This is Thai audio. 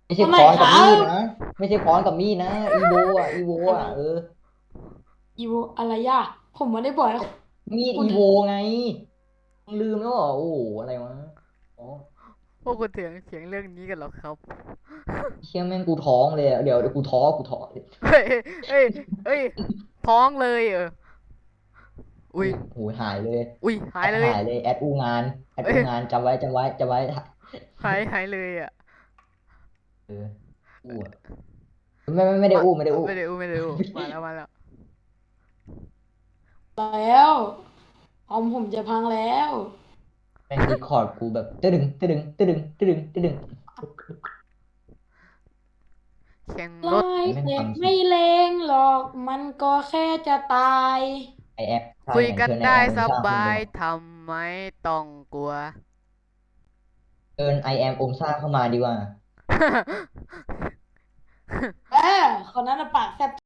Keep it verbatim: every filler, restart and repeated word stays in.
ไม่ใช่ทำไมค้อนกับมีครับดนะไม่ใช่ค้อนกับมีดนะอีโวอ่ะอีโวอะไรอ่ะเอออีโวอะไรย่ะผมไม่ได้บอกให้คุณมีดอีโวไงมึงลืมแล้วเหรอโอ้โหอะไรวะอ๋อพวกคุณเถียงเถียงเรื่องนี้กันเหรอครับเชี่ยแม่งกูท้องเลยอะเดี๋ยวเดี๋ยวกูท้อกูท้อเฮ้ยเอ้ยเอ้ยท้องเลยเอออุ้ยอุ้ยโหยหายเลยอุ้ยหาแอยเลยดหายเลยแอดอูงานแอดเอ้ยอูงานจำไว้จำไว้จำไว้หายหายเลยอ่ะเอออู้อะไม่ไม่ไม่ได้มาอู้ไม่ได้อู้ไม่ได้อู้ไม่ได้อู้มาแล้วมาแล้วแล้วคอมผมจะพังแล้วแม่งดีคอร์ดกูแบบตึ้ดึงตึ้ดึงตึ้ดึงตึ้ดึงตึ้ดึงแข่งลารถยแม่งเด็กฟังสิไม่เลงหรอกมันก็แค่จะตายไอแอปถ้าคุยอย่างนั้นเชิญไอกันได้สแอมองซ่าขึ้นไปบายหน่อยทำไมต้องกลัวเชิญไอแอมองซ่าเข้ามาดีกว่าเออคนนั้นน่ะปากแซ่บ